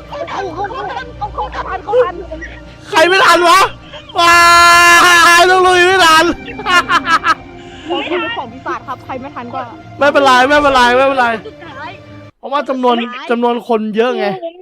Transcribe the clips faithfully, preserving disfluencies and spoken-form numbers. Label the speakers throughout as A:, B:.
A: เขาเขาเขาเขาเขาทันเขาทัน
B: ใครไม่ทันวะว้าต้องลุยไม่ทัน
A: ของคุณของปีศาจครับใครไม่ทันก็
B: ไม่เป็นไรไม่เป็นไรไม่เป็นไรเพราะว่าจำนวนจำนวนคนเยอะไง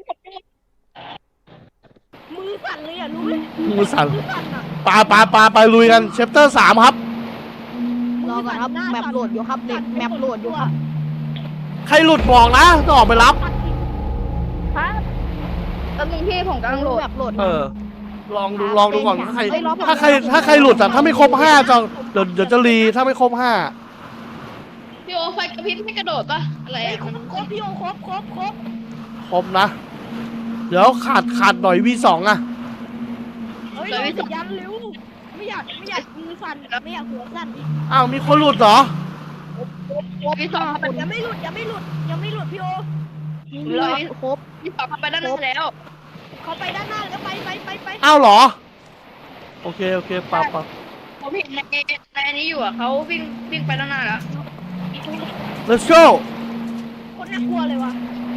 A: มือสั่นเลยอ่ะรู้ไหม
B: มือสั่นปาปาปาไปลุยกันเชปเตอร์สามครับ
A: รอก่อนครับแมปโหลดอยู่ครับเด็กแมปโหลดอยู่ครับ
B: ใครหลุดบอกนะจะออกไปรับ
A: ฮะตอนนี้พี่ผมกำลังโหลดแมปโหลด
B: เออ ลองดูลองดูก่อนถ้าใครถ้าใครถ้าใครหลุดอะถ้าไม่ครบห้าจะเดี๋ยวเดี๋ยวจะรีถ้าไม่ครบห้า
C: พี่โอไฟกระพริบไม่กระโดดปะอะไรอะ
A: ครบครบพี่โอครบครบครบ
B: ครบนะ เดี๋ยวขาดขาดหน่อยวีสองอะ
A: เฮ้ยเรายันเร็วไม่อยากไม่อยากมือสั่นไม่อยากหัวสั่นอีก
B: อ้าวมีคนหลุดเหรอ
C: พี่สองเข้าไป
A: ยังไม่หลุดยังไม่หลุดยังไม่หลุดพี่โอ
C: เลย
A: ครบ
C: พี่สองเข้าไปด้านหน้าแล้ว
A: เขาไปด้านหน้าแล้วไปไปไปไป
B: อ้าวเหรอโอเคโอเคปะปะ
C: ผมเห็นในในอันนี้อยู่อะเขาวิ่งวิ่งไปด้านหน้าแล้ว
B: let's go
A: คนน่ากลัวเลยว่ะ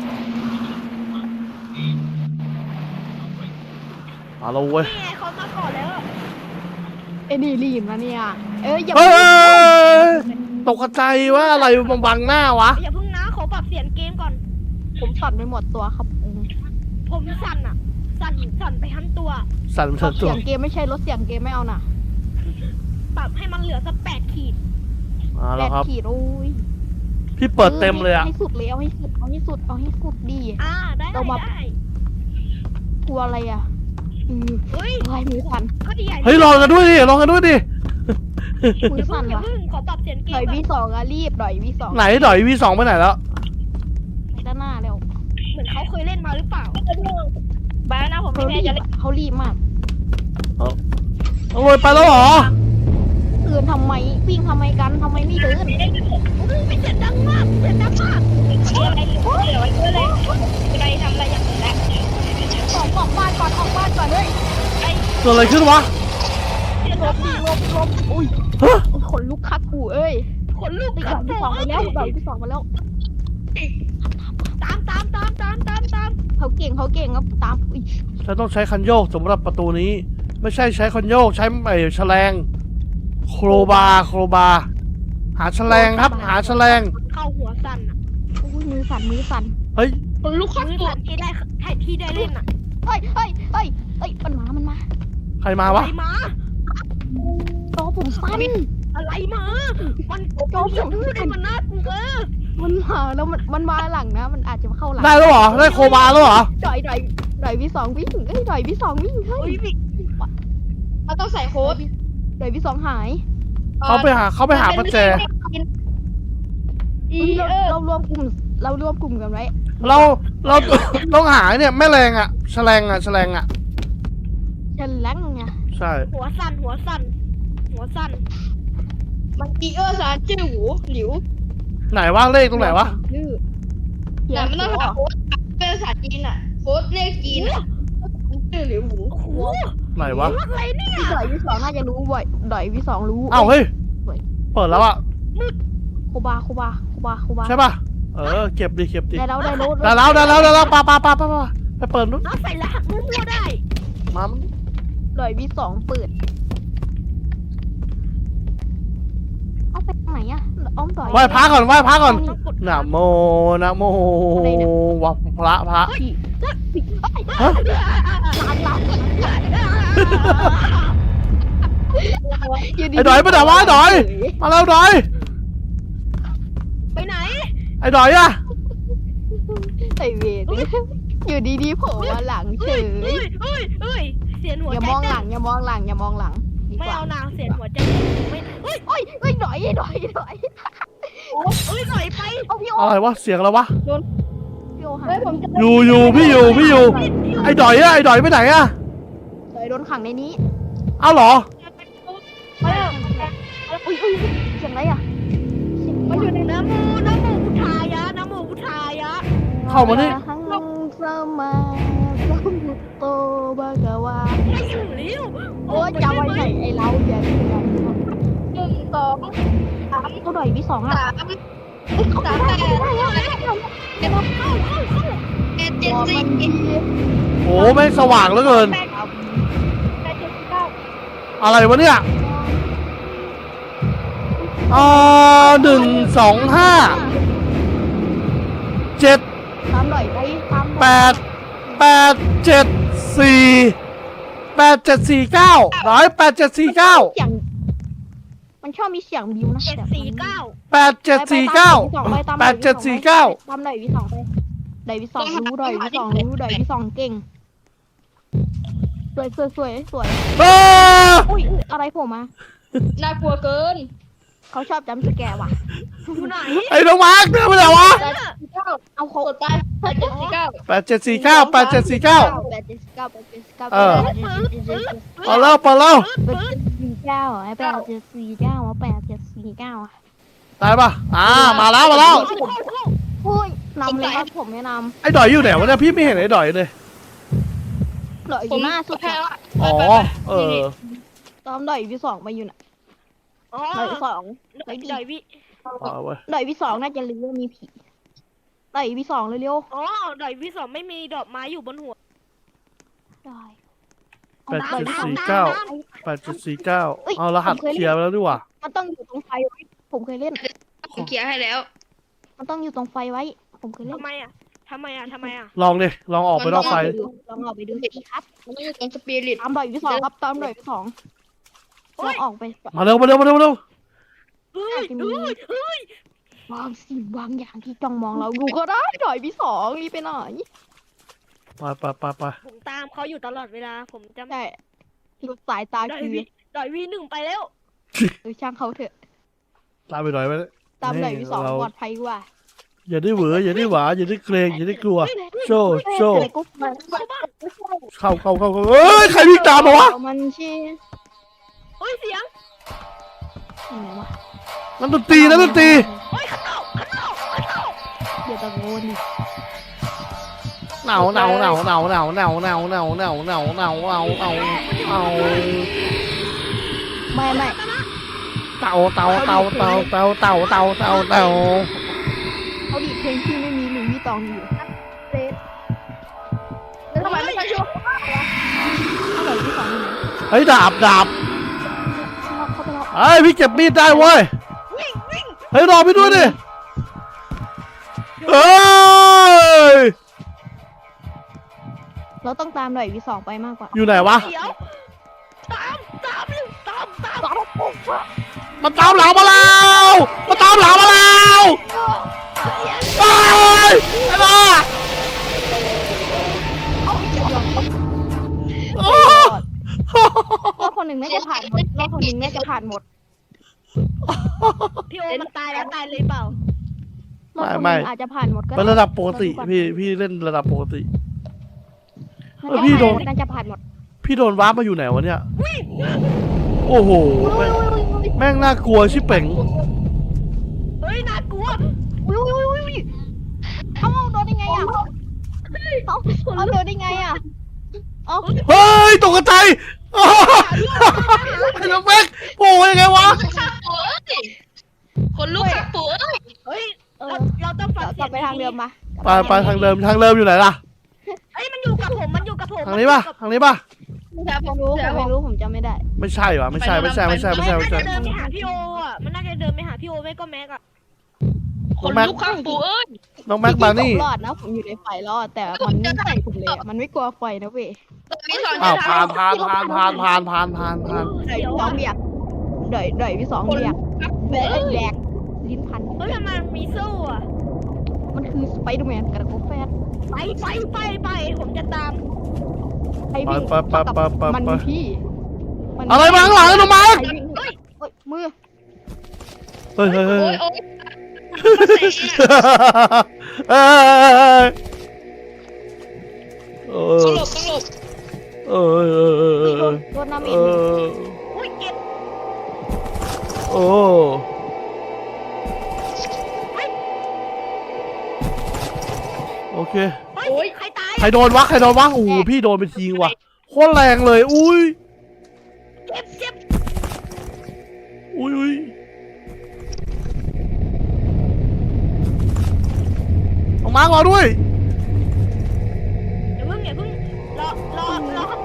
B: มาแล้วเว้ย
A: นี่ไงเขามาก่อนแล้วเอ็นี่รีบนะเนี่ยเอ้ยอย่า
B: เฮ้ยตกใจว่าอะไรมาบังหน้าวะ
A: อย่าเพิ่งนะขอปรับเสียงเกมก่อน ผมสั่นไปหมดตัวครับผมสั่นอ่ะสั่นสั่นไปทั้งตัว
B: สั่น
A: ป
B: เถิ
A: รับ
B: ดตั
A: เสี
B: วย
A: งเกมไม่ใช่ลดเสียงเกมไม่เอาน่ะปรับให้มันเหลือสักแปดขีด
B: มา
A: แป
B: แล้ว
A: ด
B: ครับ
A: ขีดโอ้ย
B: พี่เปิดเต็มเลยอะ
A: ให้สุดเลยเอาให้สุดเอาให้สุดเอาให้สุดดีอ่าได้ได้ได้กลัวอะไรอ่ะอืมเฮ้ยอะไรมือสั่นก็ดีใหญ่
B: เฮ้ยลองกันด้วยดิลองกันด้วยดิ
A: มือสั่นว่ะขอปรับเสียงเกมดอยวีสองอะรีบดอยวีสอง
B: ไหนดอยวีสองไปไหนแล้ว
A: ไปด้านหน้าเร็วเหมือนเขาเคยเล่นมาหรือเปล่าบ้านะผมไม่แน่ใจเขารีบมาก
B: ต้องลอยไปแล้วเหรอ
A: เตือนทำไมวิ่งทำไมกันทำไมไม่เดินไม่เสียงดังมากเสียงดังมากอะไรเหลือไว้เยอะเลยอะไรทำอะไรอย่างนี้แหละออกออกบ้านก่อนออกบ้านก่อนเลยไอ้
B: เกิดอะไรขึ้นวะ
A: ลบดีลบลบอุ้ย
B: ฮะ
A: ขนลุกคักกูเอ้ยขนลุกดอกที่สองไปแล้วดอกที่สองมาแล้วตามตามตามตามตามตามเขาเก่งเขาเก่งครับตามอุ้ย
B: ฉันต้องใช้คันโยกสำหรับประตูนี้ ไม่ใช่ใช้คันโยกใช้ไอ้แฉลงโครบาร์โครบาร์หาแฉลงครับ หาแฉลง
A: เข้าหัวสั่นอ่ะอุ้ยมือสั่นมือสั่น
B: เฮ้ย
C: คนลุกขึ้น
A: มือ
C: ตัว
A: สั่นที่ได้ที่ได้เล่นอ่ะเฮ้ยเฮ้ยเฮ้ยเฮ้ยมันมามันมา
B: ใครมาวะ
A: อะไรมาจอผมสั้นอะไรมา มันจอผมสั้นมันน่ากลัวมันมาแล้วมันมันมาหลังนะ มันอาจจะมาเข้าหลัง
B: ได้แล้วเหรอได้โครบาร์แล้วเหรอ
A: ดอยดอยดอยวิสองวิ่งเอ้ยดอยวิสองวิ่งเฮ้ย
C: เราต้องใส่โค้ด
A: ดอยวิสองหาย
B: เขาไปหาเขาไปหาประแจ
C: อี
A: เรา
C: เออ
A: เรารวมกลุ่มเรารวมกลุ่มกันไว้
B: เราเราต้องหาเนี่ยแม่แรงอะแฉลงอะแฉลงอะ
A: ฉันแล้งไง
B: ใช่
A: หัวสั่นหัวสั่นหัวสั่น
C: มันอีเออสารจื้อหูหลิว
B: ไหนวะเลขตรงไหนวะ
A: ชื่อ
C: แต่ไม่ต้องหาโค้ดเป็นภาษาจีนอะโค้ดเลขจีนอะจื้อหลิวหู
A: โอ้โห
B: ไหนวะ
A: อะไรเนี่ยดอยวิสองน่าจะรู้บ่อยดอยวิสองรู้
B: อ้าวเฮ้ยเปิดแล้วอะ
A: โคบาโคบาโคบาโคบา
B: ใช่ป่ะเออเก็บดิเก็บดิ
A: ได้แล้วได้แล้ว
B: ได้แล้วได้แล้วได้แล้วปาปาปาปาไปเปิดนู้น
A: เอาใส่รหัสมั่วๆได้
B: มา
A: ดอยวิสองเปิดเอาไปทางไหนอะอ้อมดอย
B: ไหว้พระก่อนไหว้พระก่อนนะโมนะโมวะพระพระ ฮะ
A: หลังหลัง
B: ไอ้ดอยไปไหนวะไอ้ดอยมาแล้วดอย
A: ไปไหน
B: ไอ้ดอยอะ
A: ไอเวรอยู่ดีๆโผล่มาหลังเฉย
D: เฮ้ยเฮ้ยเฮ้ยเสียงหัว
A: อย่า
D: ใจ
A: มองห
D: เต้
A: ลั
D: น
A: งอย่ามองหลังอย่ามองหลังดี
D: ไม่
A: กว่า
D: เอานางเสียงหัวใจไม่เฮ้ย
A: เฮ้ยเฮ้ยดอยดอยดอย
D: เฮ้ยหน่อยไป
A: เอาพี่โอ
B: อะไรวะเสียงอะไรวะ
A: พี่โอหา
C: เฮ้ยผมจะ
B: อยู่อยู่พี่อยู่พี่อยู่ไอ้ดอยอะไอ้ดอยไปไหนอะ
A: ดอยโดนขังในนี้
B: เอ้าเหรอ
A: อุ้ยอุ้ยเสียงอะไรอ่ะ
D: มันอยู่ในน้ำมูน้ำมูพุทธายะน้ำมูพุทธายะ
B: เข้ามานี่
A: หังสมาสัมพุทโตบากาวา
D: ไม่ถึงลิ้ว
A: โอ้ยจะไว้ไหนไอ้เราเดี๋ยว
C: หนึ่งสองสาม
A: เขาดอยวิสองอ่ะ
C: สาม
A: เขาได้ได้ได้ได้
C: เจ็ดเข้าเข้าเข้าเจ็ดเจ็ดจ็ด
A: บอก
C: สี่
A: มันดี
B: โอ้ไม่งสว่างเหลือเกิน
D: แปดแปดเจ็ดเก้า
B: อะไรวะเนี่ยอ่าหนึ่งสองห้าเจ็ด
A: ตามหน่อยไปตามหน่อย
B: แปดแปดเจ็ดสี่แปดเจ็ดสี่เก้าร้อยแปดเจ็ดสี่เก้า
A: เสียงมันชอบมีเสียงบิวนะ
D: เจ็ดสี่เก้า
B: แปดเจ็ดสี่เก้าแปดเจ็ดสี่เก้า
A: ตามหน่อยวิสองไปหน่อยวิสองรู้หน่อยวิสองรู้หน่อยวิสองเก่งสวยสวยสวยสวย
B: เออ
A: อุ้ยอะไรผมมา
C: น่ากลัวเกิน
A: เขาชอบจำสแกร์ว่ะ
D: อยู่ไหน
B: ไอ้น้องมาร์คเนี่ยมันอะไรวะ
C: แปดสี่เก้า
A: เอาเขา
C: กดไปแปดเจ็ดสี่เก้า
B: แปดเจ็ดสี่เก้าแปดเจ็ดสี่เก้า
A: แปดเจ็ดเก้าแปดเจ็ดเก้า
B: เออ
A: แปดเจ็ดเจ็ด
B: เอาแล้วไปแล้ว
A: แปดเจ็ดสี่เก้าไอ้แปดเจ็ดสี่เก้าอ่ะแปดเจ็ดสี่เก้าอ่ะ
B: ได้ปะอ่ามาแล้วมาแล้ว
A: โอ้ยนำเลยครับผมไม่น
B: ไอ้ดอยอยู่ไหนวะเนี่ยพี่ไม่เห็นไอ้ดอยเลย
A: ำเหลืออยู่หน้าสุด
C: แพ้
A: อะ
C: ละ
B: อ๋อเออ
A: ตอมดอยวิสองมาอยู่น่ะ
D: อ๋อ
A: ดอยวิสอง
D: หน่อยหน่อยวิ
B: เอาเว้ย
A: ดอยวิสองน่าจะรู้ว่ามีผีดอยวิสองเร็ว
D: อ๋อหน่อยวิสองไม่มีดอกไม้อยู่บนหัว
A: ๆดอย
B: แปดเจ็ดสี่เก้าแปดเจ็ดสี่เก้าเอารหัสเคลียร์ไปแล้วดีกว่า
A: มันต้องอยู่ตรงไฟไว้ ผมเคยเล่น
C: ผมเคลียร์ให้แล้ว
A: มันต้องอยู่ตรงไฟไว้ ผมเคยเล่น
D: ทำไมอ่ะทำไมอ่ะทำไมอ่ะ
B: ลองดิลองออกไปนอกไฟ
A: ลองออกไปดูสิครับ
C: มันต้องอยู่ตรงสปิริต
A: ตามดอยวิสองครับตามดอยวิสองลองออกไป
B: มาเร็วมาเร็วมาเร็วมาเร็ว
D: เฮ้ยเฮ้ยเฮ้ยว
A: างสิ่งบางอย่างที่จ้องมองเราดูก็ได้ดอยวิสองรีบไปไหน
B: ไปไปไปไป
D: ผมตามเขาอยู่ตลอดเวลาผมจะ
A: ใช่หลุดสายตา
D: ดอย
A: คือ
D: วิดอยวีหนึ่งไปแล้ว
A: เออช่างเขาเถอะ
B: ตามไปหน่อยไหม
A: ตามดอยวิสอง
B: เรา
A: ปลอดภัยกว่า
B: อย่าได้เหวออย่าได้หวาอย่าได้เกรงอย่าได้กลัว โชว์โชว์
A: อะไรก็มา
B: เข้าเข้าเข้าเข้าเอ้ยใครวิ่งตามมาวะ
A: มันชื่อ
D: เฮ้ยเสียง
A: อะไรวะ
B: นั่นดนตรีนั่นดนตรี
D: เฮ้ยข้างนอกข้างนอกข้างนอก
A: เดี๋ยวตะโกนดิ
B: หนาวหนาวหนาวหนาวหนาวหนาวหนาวหนาวหนาวหนาวหนาวหนาวหนาวหนาว
A: ไม่ไม่
B: เต่าเต่าเต่าเต่าเต่าเต่าเต่าเต่าเต่า
A: เขาดีดเพลงที่ไม่มีหนึ่งมีตองอยู่เซฟ
C: แล้วทำไมไม่ใช่ช่วง
A: เขาเลยที่สองอยู่ไหน
B: เฮ้ยดาบดาบ
A: เข้าไปแล้ว
B: เฮ้ยพี่เก็บมีดได้เว้ยเฮ้ยรอพี่ด้วยดิเอ้ย
A: เราต้องตามหน่อยวีสองไปมากกว่า
B: อยู่ไหนวะ
D: เดี๋ยวตามตามเลยตามตาม
B: มันตามหลังมาแล้วมันตามหลังมาแล้วเฮ้ยไอ้บ้าโอ้
A: รอบคนหนึ่งน่าจะผ่านหมดรอบคนหนึ่งน่าจะผ่านหมด
D: พี่โอมันตายแล้วตายเลยเปล่าร
A: อบคนหนึ่งอาจจะผ่านหมดก็
B: เป็นระดับปกติพี่พี่เล่นระดับปกติ เออพี่
A: พี่
B: โด
A: โด
B: น
A: นน่าจะผ่านหมด
B: พี่โดนวาร์ปมาอยู่ไหนวะเนี่ย โอ้โห แม่งแม่งน่ากลัวชิบเป่ง
D: เฮ้ยน่ากลัว
A: อุ้ยอุ้ยอุ้ยอุ้ยเอ้าโดนได้ไงอ่ะเอ้าเอาโดนได้ไงอ่ะเอ้า
B: เฮ้ยตกใจายอ้าวไอ้น้องแม็กโอ้ยยังไงวะ
C: ข้างปู่เอ้ยคนลูกข้างปู่เอ้ย
D: เฮ้ย
A: เอ
D: เรา
A: อ
D: เราต้องฟัง
A: ก
D: เสี
A: ลั
D: ย
A: บ
D: ง
A: ไปทางเดิมมา
B: ไปไปทางเดิมทางเดิมอยู่ไหนล่ะ
D: เฮ้ยมันอยู่กับผมมันอยู่กับผม
B: ทางนี้ป่ะทางนี้ป่ะ
A: ผมรู้ผมไม่รู้ผมจำไม่ได้
B: ไม่ใช่วะไม่ใช่ไม่ใช่ไม่ใช่ไม่
D: มัน
B: ใช่ไม่
D: น่า
B: ใช่
D: จะเดินไปหาพี่โออ่ะมันน่าจะเดินไปหาพี่โอไม่ก็แม็กอ่ะ
C: คนลูกข้างปู่เอ้ย
B: น้องแม็กมานี่
A: ผมรอดนะผมอยู่ในไฟรอดแต่มันไม่ใส่ผมเลยอะมันไม่กลัวไฟนะเว้ย
C: ตอนนี้สอน
B: อ้าว
C: จะ
B: ผ่าน
C: ทำ
B: ผ่านผ่านผ่านผ่านผ่านผ่านผ่าน
A: ดอยสองเบียกดอยดอยพี่สอง
C: คน
A: เบีย
C: ลู
A: ก
C: กข้าง
A: แบ
C: ปู่
A: ก
C: เอ้ย
A: แบกลิ้นพัน
D: เฮ้ยมันมีโซ่อ่ะ
A: มันคือสไปเดอร์แมนกระโกแฟด
D: ไปไปไปไปผมจะตาม
A: ไอ้วิ่ง
B: ไปไปไปไปไป
A: มันมีพี่มัน
B: อะไรมาข้างหลังน้องแม็ก
A: ใครวิ่งเฮ้ยเฮ้ยมือ
B: เฮ้ยเฮ้ยเฮ้
C: โอ้
B: ย
C: ยโอ้ยมาเตะอะ
B: เอ้ยเออ
C: ต้องหลบต้องหลบ
B: เออเออเออเอ
A: โด
B: อน
A: โดนน้ำ
B: เอ
A: เอ็น
B: อ
D: อุ้ยเก็บ
B: โอ้โอเค
D: เฮ้ยใครตาย
B: ใครโดนวะใครโดนวะโอ้โหพี่โดนไปทีว่ะโคตรแรงเลยอุ้ย
D: เก็บเก็บ
B: อุ้ยอุ้ยออกมาก่อนด้วย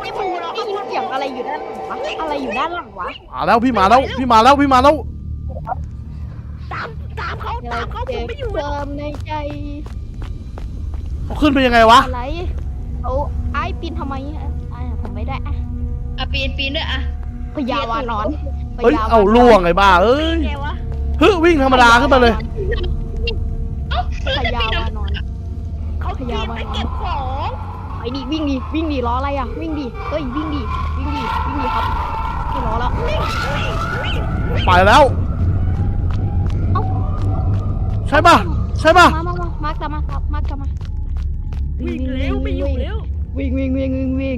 A: นี่มันได้ยินเสียงอะไรอยู่ด้านหลังวะอะไรอยู่ด้านหลังวะ
B: มาแล้วพี่มาแล้วพี่มาแล้วพี่มาแล้ว
D: ตามตามเขาตามเขาผมไม่อยู่แล้ว
A: เติมในใจ
B: เอาขึ้นไปยังไงวะ
A: อะไรเอาไอ้ปีนทำไมอ่ะไอ้ผมไม่ได้อะ
C: อ่ะปีนปีนด้วยอ่ะ
A: พยาวานอน
B: เฮ้ยเอาล่วงไอ้บ้าเอ้ย
D: ไงวะ
B: เฮ้ยวิ่งธรรมดาขึ้นมาเลย
A: พยาวานอน
D: เขาปีนไปเก็บของ
A: ไอ้นี่วิ่งดิวิ่งดิล้ออะไรอ่ะวิ่งดิเฮ้ยวิ่งดิวิ่งดิวิ่งดิครับไม่ล้อแล้ว
B: ไปแล้วใช่ป่ะใช่ป่ะ
A: มามามามาร์กจะมาครับมาร์กจะมา
D: วิ่งเร็วไม่อยู่เร็ว
A: วิ่งวิ่งวิ่งวิ่งวิ่ง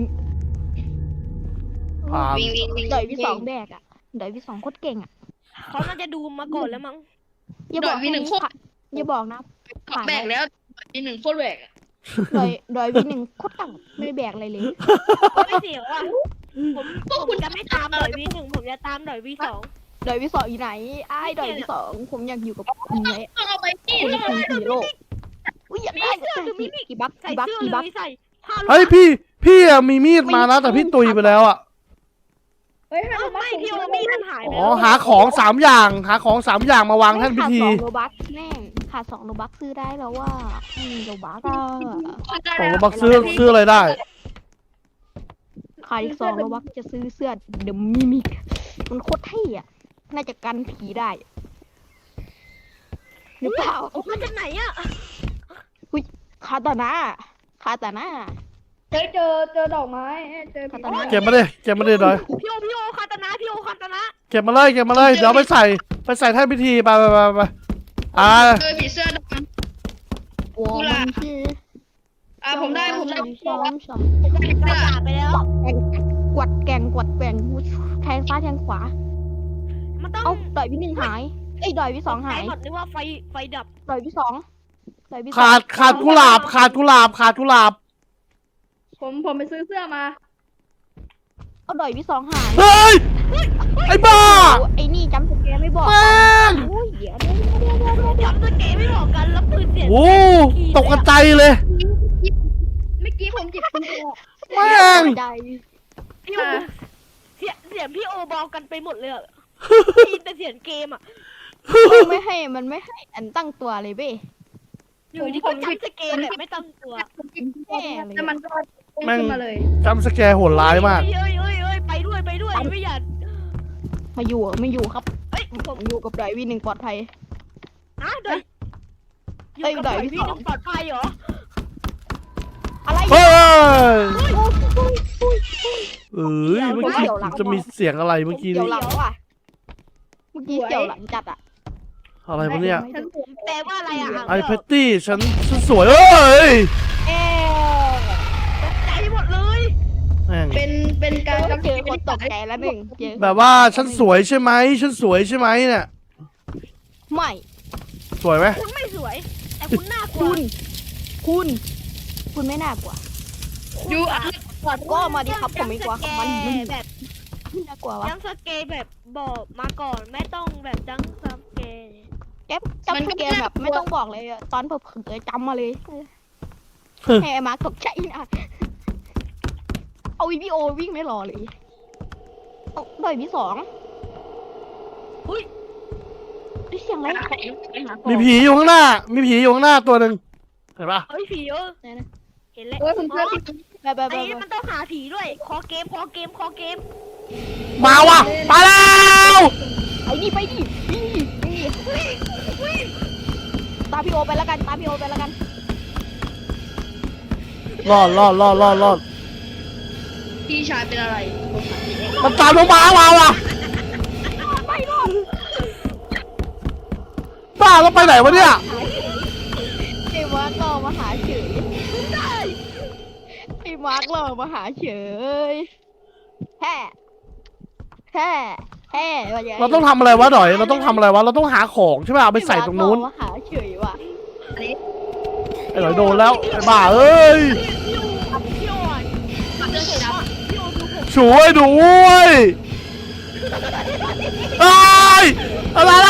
B: อ่า
C: วิ่งวิ่งวิ่ง
A: เดยพี่สองแบกอ่ะเดยพี่สองโคตรเก่งอ่ะ
D: เขาน่าจะดูมาก่อนแล้วมั้ง
A: อย่าบอก
C: พี่หนึ่งโคตร
A: อย่าบอกนะ
C: แบกแล้วปีหนึ่งโคตรแบกอ่ะ
A: เดยเดยพี่หนึ่งโคตรต่ำไม่ได้แบกอะไรเลย
D: ไม่เสียวอ่ะผมผมจะไม่ตามหน่อยวีหนึ่งผมจะตามหน่อยวีสอง
A: เดยพี่สองอยู่ไหนไอ้เดยพี่สองผมอยากอยู่กับคุณเลย
C: ต้องเอาไปที่
A: คุณ
C: ต้อง
A: คือฮีโร่อุ้ยอยากได้กี่บัก
D: ใส่
A: กี่บัก
D: เสื้อ
A: กี่
D: เล
A: บัก
D: ยใส่ผ้า
B: เฮ้ยพี่พี่อะมีมีดมานะแต่พี่ตุยไปแล้วอะ
C: เฮ้ยให้
D: ไม่
C: เรามา
D: พี่โอมี่มันหายไป
B: อ๋อ
D: แล้ว
B: หาของสามอย่างหาของสามอย่างมาวางแท่นพิธี
A: ขาดสองโลบักแน่ขาดสองโลบักซื้อได้แล้วว่าอืมโลบักอะ
B: สองโลบักซื้อซื้ออะไรได้
A: ขาดอีกสองโลบักจะซื้อเสื้อเดอะมิมิกมันโคตรเท่อะน่าจะกันผีได้หรือเปล่า
D: เอามาจากไหนอ่ะ
A: คาตานะคาตานะ
C: เจอเจอเจอดอกไม้เจอ
A: คาตานะ
B: เก็บมาเลยเก็บมาเลยหน่อย
D: พี่โอพี่โอคาตานะพี่โอคาตานะ
B: เก็บมาเลยเก็บมาเลยเดี๋ยวไปใส่ไปใส่แท่นพิธีไปไปไปไปอ่า
C: เจอผีเสื้อด
A: โอ้มันคือ
C: ำอ่ะผมได้ผมได้
A: สองสอง
D: กระดาษไปแล้ว
A: กวัดแกงกวัดแกงแทงซ้ายแทงขวา
D: มันต้อง
A: เอ้าดอยพี่หนึ่งหายเอ้ยดอยพี่สองหาย
D: หมดนึกว่าไฟไฟดับ
A: ดอยพี่สองดอยพี่สอง
B: ขาดขาดกุหลาบขาดกุหลาบขาดกุหลาบ
C: ผมผมไปซื้อเสื้อมา
A: เอาดอยพี่สองหาย
B: เฮ้ยไอ้บ้า
A: โอ้ไอ้นี่จำสแกนไม่บอก
B: แม่ง
A: โอ้ยเดี๋ยวเดี๋ยวเดี๋ยวเดี๋ยวเดี๋ยว
D: จำสเกไม่บอกกันแล้วปืนเสียง
B: โอ้ตกกระใจเลย
C: เมื่อกี้ผมจิบคุณโอ
B: แม่ง
A: ใจ
D: พี่โอเสียงเสียงพี่โอบอกกันไปหมดเลยอะได้ยินแต่เสียงเกมอ่ะ
A: มันไม่ให้มันไม่ให้อันตั้งตัวเลยเบ้
D: อยู่ดีก็จำสเกมแบบไม่ตั้งตัว
C: ผมจิบคุณโอแล้วมันก็พุ่งขึ้นมาเลย
B: จำสแกร์โหดร้ายมาก
D: เอ้ยเอ้ยเอ้ยไปด้วยไปด้วยไม่อยาก
A: มาอยู่อะไม่อยู่ครับ
D: เอ้ยผ
A: ผม มอยู่กับดอยวีหนึ่งปลอดภัย
D: นะเดี๋ยวอยู่
A: เอ้ย
D: กับ
A: เดี๋ยว
D: พี่
A: พี่
D: ห
A: สอ
D: นึ่
A: ง
D: งปลอดภัยเหรอ
A: อะไร
B: เฮ้ย
A: โอ้ยโอ้ยโอ้ย
B: เอ้ยเมื่อกี้จะมีเสียงอะไรเมื่อกี้
A: เกี่ยว
B: นี่
A: หลังว่ะเมื่อกี้เกี่ยวหลังจัดอะ
B: อะไรวะเนี่ย
C: ฉันสวย
D: แปลว่าอะไรอ่ะ
B: ไอเพตตี้ฉันฉันสวยเอ้ย
A: เอ๊ะ
D: ใจหมดเลย
B: แม่ง
C: เป็นเป็นการจำ
A: เจอคนตกใจแล้วหนึ่งเจอ
B: แบบว่าฉันสวยใช่ไหมฉันสวยใช่ไหมเนี่ย
A: ไม่
B: สวยไหม
D: คุณไม่สวย แต่คุณน่ากลัว
A: คุณ คุณ คุณไม่น่ากลัว
C: ยูอ่ะ
A: ก็มาดิครับผมไม่กลัวครับมันมัน
D: แบบ
A: ไม่น่ากลัววะ
D: จังสเกแบบบอกมาก่อนไม่ต้องแบบจังสเก
A: แก๊ปจำสเกมแบบไม่ต้องบอกเลยอะตอนเผลอๆจำมาเลยให้ไอ้มาร์คตกใจนะเอาวีพีโอวิ่งไม่รอเลยเอาดอยพี่สอง
D: อุ้ย
A: ได้เสียงอะไร
B: มีผีอยู่ข้างหน้า มีผีอยู่ข้างหน้าตัวหนึ่งเห็นปะ
D: เฮ้ยผีเออ
A: ไหนนะ
D: เห็นแล้ว
C: โอ้ยผมเพื่อน
A: ไปไป
D: ไอ้
A: ไป
D: นี่มันต้องหาผีด้วย คอเกม คอเกม คอเกม
B: มาว่ะมาแล้ว
A: ไปดิไปดิวิ่งดิวิ่งดิตามพี่โอไปแล้วกันตามพี่โอไปแล้วกัน
B: รอดรอดรอดรอดรอด
C: พี่ชายเป็นอะไรผมถามพี่เอง
B: มันตามลงมามาว่ะ
A: ไม่รอด
B: บ้าแล้วไปไหนวะเนี่ย
A: ไอ้มาร์ครอมาหาเฉยไอ้มาร์ครอมาหาเฉยแฮ่แฮ่แฮ่ว่าไง
B: เราต้องทำอะไรวะดอยเราต้องทำอะไรวะเราต้องหาของใช่ไหมเอาไปใส่ตรงนู้น
A: ไอ้มาร์ครอมาหาเฉยว่ะ
B: ไอ้ดอยโดนแล้วไอ้บ้าเอ้ย
D: พี่โอพี่โออ่ะ
C: เสื้อสีดำ
D: พี่โอดูผม
B: ช่วยด้วยไอ้ยอะไรเรา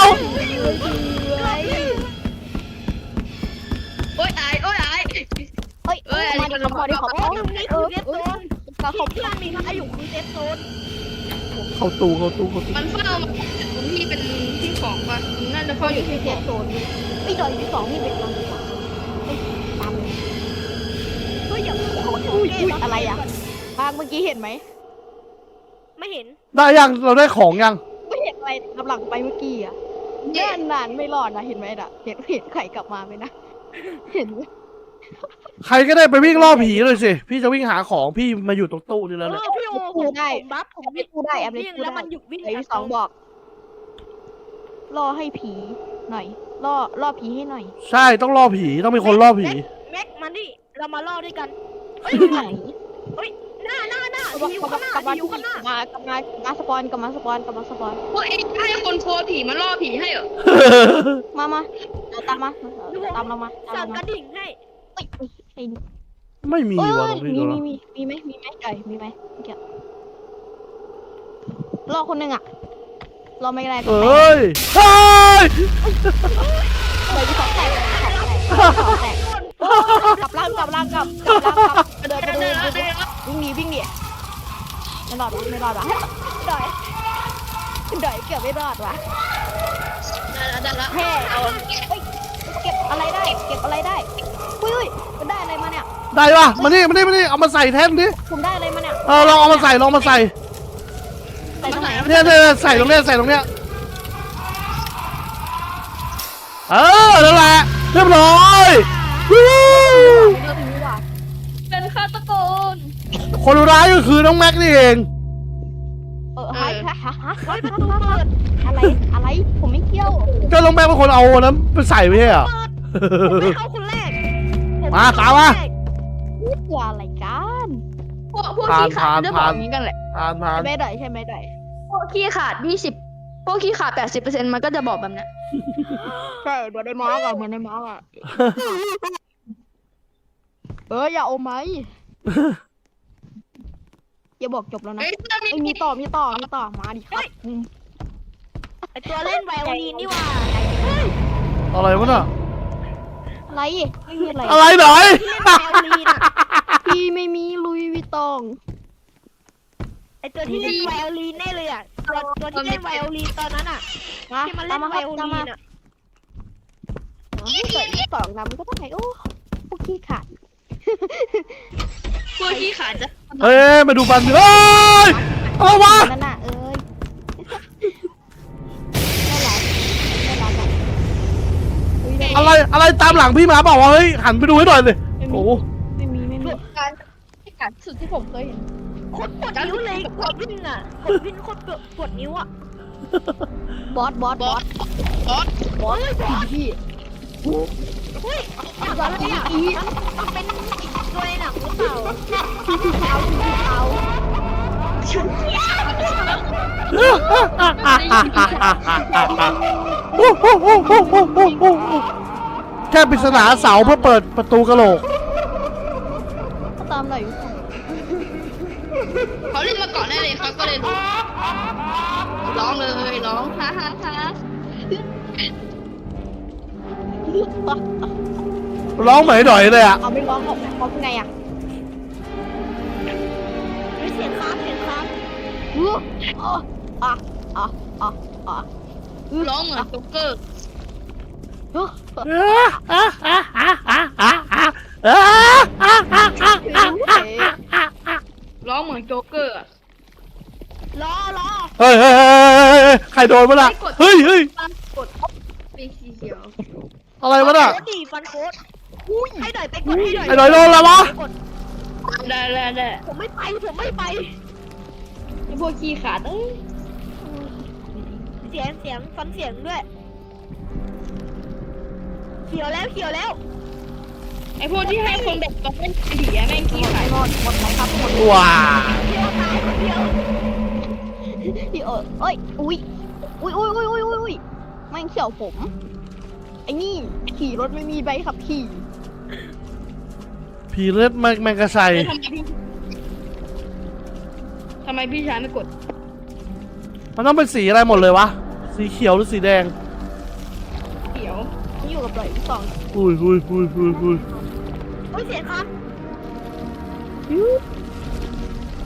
C: โอ้ยอายโอ้ยอาย
A: เฮ้ย
C: เอ้ย
A: มาดิครับมาดิครับ
D: อ๋อตรงนี้คือเรียกตัว
A: ไปเขา
D: ที่ที่มันมีพระอยู่คือเซฟโซน
B: เข้าตู้เข้าตู้เข้าตู้
C: มันเฝ้ามาตรงที่เป็นที่ของป่ะมันน่าจะเฝ้าอยู่ที่
A: เซ
C: ขอ
A: ฟ
C: ง
A: โซนพี่ดอยที่สองพี่เป็นตอนที่สองเฮ้ยตามเลย
D: เฮ้ยอย่าเพิ่งโคตร
A: อุ้ยอุ้ยอะไรอ่ะบางเมื่อกี้เห็นไหม
D: ไม่เห็น
B: ได้ยังเราได้ของยัง
A: ไม่เห็นอะไรกำลังไปเมื่อกี้อ่ะนานนานไม่รอดนะเห็นไหมน่ะเห็นเห็นใครกลับมาไหมนะเห็นไหม
B: ใครก็ได้ไปวิ่งล่อผีเลยสิพี่จะวิ่งหาของพี่มาอยู่ตรงตู้นี่
D: เอ
B: แล้วเนี่ย
D: อพี่โอผมผมบัฟผม
A: ไม่พูดได้แอปไม่
D: วิ่ง
A: พูด
D: แล้ว
A: ได้
D: มันหยุดวิ่ง
A: ไอ้ที่สองบอกล่อให้ผีหน่อยล่อล่อผีให้หน่อย
B: ใช่ต้องล่อผีต้องมีคนล่อผี
D: แม็กมานี่เรามาล่อด้วยกัน
A: ไหน
D: หน้าหน้าหน้าก
A: ลับ
D: ที่อยู่
A: มา
D: ข้างหน้าก
A: ลับมา
D: ที่อยู่ข้างหน้าม
A: ากลับมากลับมาสปอนกลับมาสปอนกลับมาสปอน
C: พวกเองให้คนโพสผีมาล่อผีให้เหรอ
A: มามาเอาตามมาตามเรามาตาม
D: สั่
A: เรา
D: ง
A: มาก
D: ระดิ่งให้
A: เอ้ยเอ้ยไอ้นี่
B: ไม่มี
A: เอ้ย
B: ว่ะตรงนี้
A: มี
B: เหร
A: มี
B: อ
A: มีมีไหมมีไหมไก่มีไหมเมื่อกี้รอคนหนึ่งอ่ะรอไม่ได้
B: เอ้ยเฮ้ย
A: เลยที่สองแตกสองแตกกลับล่างกลับล่างกลับกลับล่างกลับเดินไปเดินไปวิ่งหนีวิ่งหนีไม่รอดวะไม่รอดวะดอยดอยเกือบไม่รอดวะ
C: ได้แล้วได้แล้ว
A: แฮ่เอาเฮ้ยเก็บอะไรได้ เก็บอะไรได้อุ้ยอุ้ยมันได้อะไรมาเนี่ย
B: ได้ปะมานี่มานี่มานี่เอามาใส่แท่นดิ
A: คุณได้อะไรมาเนี่ย
B: เออลองเอามาใส่ลองมาใส่
A: ใส่ตรงไหน
B: เนี่ยเนี่ยใส่ตรงเนี้ยใส่ตรงเนี้ยเออนั่นแหละเรียบร้อยวู้
A: เลือกนี้ว่ะ
C: เป็นฆาตกร
B: คนร้ายก็คือน้องแม็กนี่เอง
A: เออฮะฮะฮะฮะเฮ้ยประตูเปิดอะไรอะไรผมไม่เกี่ยว
B: ก็น้องแม็กเป็นคนเอาอันนั้นไปใส่ไม่ใช่เหรอ
D: ผมไม่เข้าคนแรกผ
B: มาตามมา
A: นี่คืออะไรกัน
C: พวกพวกขี้ขาดจะบอกอย่างนี้กันแหละ
B: ผ่านผ่าน
A: ไม่ได้ใช่ไหมได้
C: พวกขี้ขาดยี่สิบพวกขี้ขาดแปดสิบเปอร์เซ็นต์มันก็จะบอกแบบนี้
A: ใช่เหมือนในมาร์กอะเหมือนในมาร์กอะเอออย่าเอาไหมอย่าบอกจบแล้วนะ
C: เฮ้ยถ้ามี
A: ไอ้ยมีต่อมีต่อมีต่อมาดิครับอืม
D: ไอตัวเล่นไวโอลินนี่หว่า
B: อะไรวะน่ะ
A: อะไรไม่มีอะไร
B: อะไรหน่อย
D: ที่เล่นไวโอลินอ่ะ
A: พี่ไม่มีลุยวิตอง
D: ไอตัวที่เล่นไวโอลินแน่เลยอ่ะตัวตัวที่เล่นไวโอลินตอนนั้นอ่ะ
A: มา
D: ที่มันเล่
A: ตาม
D: น
A: มา
D: ไว
A: ครับ
D: โอ
A: ตาม
D: ลิ
A: มาน
D: อ่ะ
A: เกิดที่สองนำก็ต้องไหนโอ้พวกขี้ขาด
C: พวกขี้ขาดจะ
B: เฮ้ยมาดูบันเฮ้ยอะไรวะ
A: นั่นน่ะเอ้ยไม่รักไม่รักอ่ะอุ๊ยได้
B: อะไรอะไรตามหลังพี่มาบอกว่าเฮ้ยหันไปดูให้หน่อยเลย
A: ไม่มี
B: โอ้โห
A: ไม่มีไม่มี
C: การขี้ขาดสุดที่ผมเคยเห็น
D: โคตรปวดนิ้วเลยกดวิ่งอ่ะกดวิ่งโคตรปวดนิ้วอ่ะ
A: บอสบอส
C: บบ อ
A: อ
C: ส
A: ส
C: บอส
A: บอสพี่
D: เฮ้ยอะไรอ่ะมันเป็นตัวในหนังหรือเปล่า
A: เอาเอา
B: แค่ปริศนาเสาเพื่อเปิดประตูกระโหลก
A: เขาตามไหนอยู่
C: เขาเล่นมาก่อนได้เลยเขาก็เลยร้องเลยร้องฮ่าฮ่าฮ่า
B: ร้องเหมยหน่อยเลยอ่ะ
A: เอาไม่ร้องออกเขาเป็นไงอ่ะ
D: เฮ้ยเสียงครับเสียงครับ
A: อู้อ่ะอ่ะอ่ะอ่ะอ่ะ
C: ร้องเหมือนโจ๊กเกอร์ ร้องเหมือนโจ๊กเกอร์อะ
D: รอรอ
B: เฮ้ยเฮ้ยเฮ้ยใครโดนวะน่ะเฮ้ยเฮ้ย
C: กดเป็นสีเขียว
B: อะไรวะน่ะ
D: โคตรดีฟันโค้ดให้หน่อยไปกดให้หน่อย
B: ไอ้หน่อยโดนแล้ววะ
D: กด
C: ได้ได้ได้
D: ผมไม่ไปผมไม่ไป
C: ไอพวกขี้ขาดเอ้ย
D: เสียงเสียงฟันเสียงด้วยเขียวแล้วเขียวแล้ว
C: ไอพวกที่ให้คนแบบต้องเล่นผีอะแม่งขี้ขาด
A: หมดหมดนะครับหมด
B: ว้า
D: เขียวตายคนเดียว
A: พี่เออเอ้ยอุ้ยอุ้ยอุ้ยอุ้ยอุ้ยอุ้ยแม่งเขี่ยวผมไอ้นี่ขี่รถไม่มีใบขับขี่
B: ผีเลือดแมงแมงกระไซ
C: ทำไมพี่ทำไมพี่ชายไม่กด
B: มันต้องเป็นสีอะไรหมดเลยวะ สีเขียวหรือสีแดง
C: เขียว
A: นี่อยู่กับไหลที่สอง
B: อุ้ยอุ้ยอุ้ยอุ้ยอุ้ย
D: เฮ้ยเสียงครับ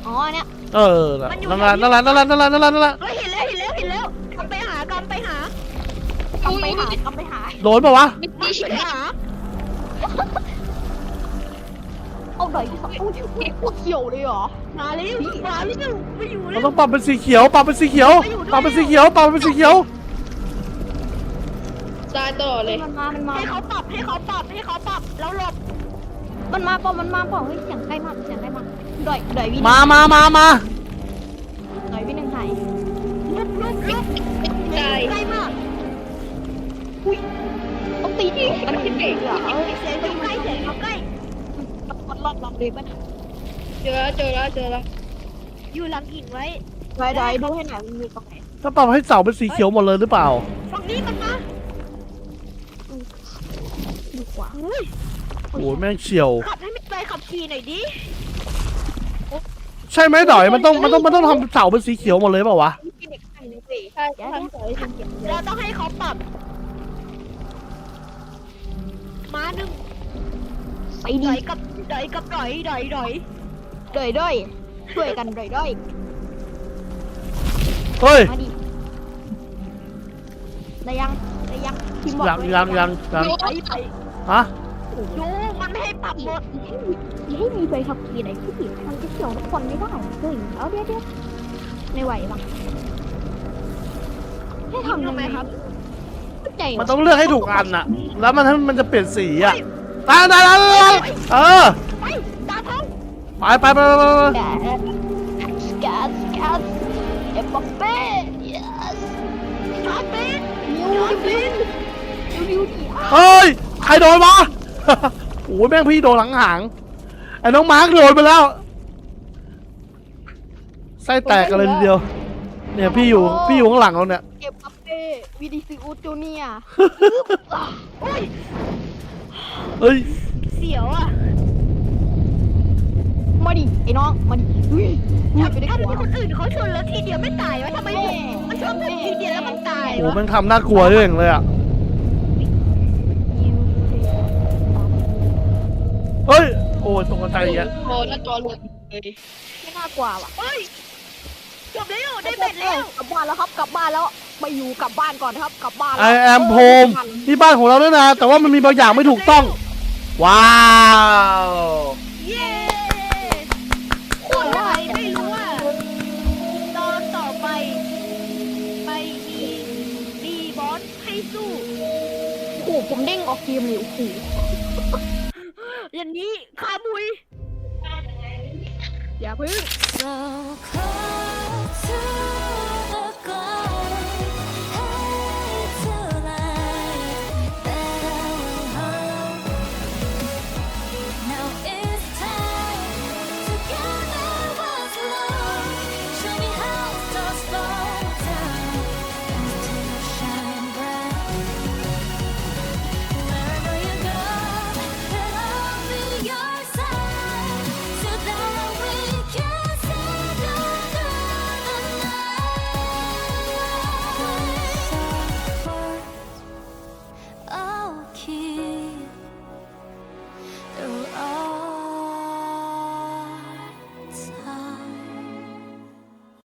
A: อ๋อเนี่ย
B: เออนั่นแหละนั่นแหละนั่นแหละนั่นแหละนั่นแหละนั่นแหละ
D: เฮ้ยเห็นแล้วเห็นแล้วเห็นแล้วกำไปหากำไปหาก
A: ำไปหากำไปหา
B: โดนปะวะ
C: ไม่
D: กำ
C: ดี
D: ไป
C: ใช่ไหม
D: หา
A: เอาหน่อยที่สองโอ้ยพวกเขียวเลยเหรอ
D: มาเร็วมาเร็วไม่อยู่
B: เรา
D: แล้ว
B: ต้องปรับเป็นสีเขียวปรับเป็นสีเขียวปรับเป็นสีเขียวปรับเป็นสีเขียว
C: ตายตลอดเลย
A: มันมามันมา
D: ให้เขาปรับให้เขาปรับให้เขาปรับแล้วหลบ
A: มันมาเปล่ามันมาเปล่าเฮ้ยเสียงใกล้มากเสียงใกล้มากดอยดอยวิน
B: มามามามา
A: ดอยวินหนึ่งไทย
D: ลุกลุกลุก
C: ตาย
D: ใกล้มาก
A: ต้องตีที่มันที่เบรกเหรอเออ
D: เสียงอยู่ใกล้เสียงอยู่ใกล้
A: มันรอบรอบเลยป่ะ
C: เจอแล้วเจอแล้วเจอแล้ว
D: อยู่หลังหินไว้
A: ดอยดอยดูให้หน่อยมันมีตรงไหน
B: ถ้าปรับให้เสาเป็นสีเขียวหมดเลยหรือเปล่า
D: ฝั่งนี้มันมา
A: ดูขวา
D: อุ้ย
B: โอ้ยแม่งเฉียว
D: ขับให้ไม่ไปขับขี่หน่อยดิ
B: ใช่ไหมดอยมันต้องมันต้องมันต้องทำเสาเป็นสีเขียวหมดเลยเปล่าวะ
A: ที่เด็กไทยเลยเว้ย
C: ใช่
A: เดี๋ยว
C: ทำสวยทำเก็บ
D: เราต้องให้เขาปรับม้าหนึ่ง
A: ไป
D: ด
A: ดี
D: อยกับดอยกับดอยดอยดอย
A: ดอยดอยช่วยกันดอยดอย
B: เฮ้ย
A: มาดิได้ยังได้ยังทีมบอก
B: ยังยังยังยัง
D: ไปไป
B: ฮะ
D: ดูมันไม่ให้ปรับหมด
A: อย่าให้มีใบขับขี่ไหนที่ผิดมันจะเกี่ยวทุกคนไม่ได้เฮ้ยเอาเดี๋ยวเดี๋ยวไม่ไหวบ้างให้ทำยังไงครับเข้าใจ
B: มันต้องเลือกให้ถูกอันน่ะ แล้วมันมันจะเปลี่ยนสีอ่ะตายตายตายตายเออ
D: ไปตาท้อง
B: ไปไปไปไปไป
A: แกสแกสแกสเอ็มบัปเป้ yes
D: ชาร์จเป็น
A: นิวดินิวนิวดิ
B: เฮ้ยใครโดนวะ โอ้ยแม่งพี่โดนหลังหางไอ้น้องมาร์คโดนไปแล้วไส้แตกกันเลยทีเดียว เนี่ยพี่อยู่พี่อยู่ข้างหลังเราเนี่ย
A: เอ็มบัปเป้วิดิซิอุสจูเนีย
D: โอ้ย
B: เฮ้ย
D: เสียวอ่ะ
A: มาดิไอ้น้องมาดิอุ้ยอุ้ย
D: ถ้า
A: ไปได้
D: ถ้า
A: หั
D: มี
A: ว
D: คนอื่นเขาชนแล้วทีเดียวไม่ตายวะทำไมผมมันชนผมทีเดียวแล้วมันตาย
B: โอ้
D: วะ
B: แม่งทำน่ากลัวด้วยอย่างเลยอ่ะเฮ้ยโอ้ยตกใจอีกอ่ะ
C: โอ้หน้าจอหลุดเลย
A: ไม่น่ากลัวว่ะ
D: เฮ้ยจบแล้วได้เบ็ดแล้ว
A: กลับบ้านแล้วครับกลับบ้านแล้วไปอยู่กลับบ้านก่อนครับกลับบ้าน
B: ไอแอมโฮมที่บ้านของเราด้วยนะแต่ว่ามันมีบางอย่างไม่ถูกต้อง ว้าว
D: เย้คนไทยไม่รู้ว่าตอนต่อไปไปมีดีบอสให้สู้
A: โอ้โหผมเด้งออกเกมเลยโอ้โห
D: อย่างนี้ขามุย
A: อย่าพึ่ง
E: So close to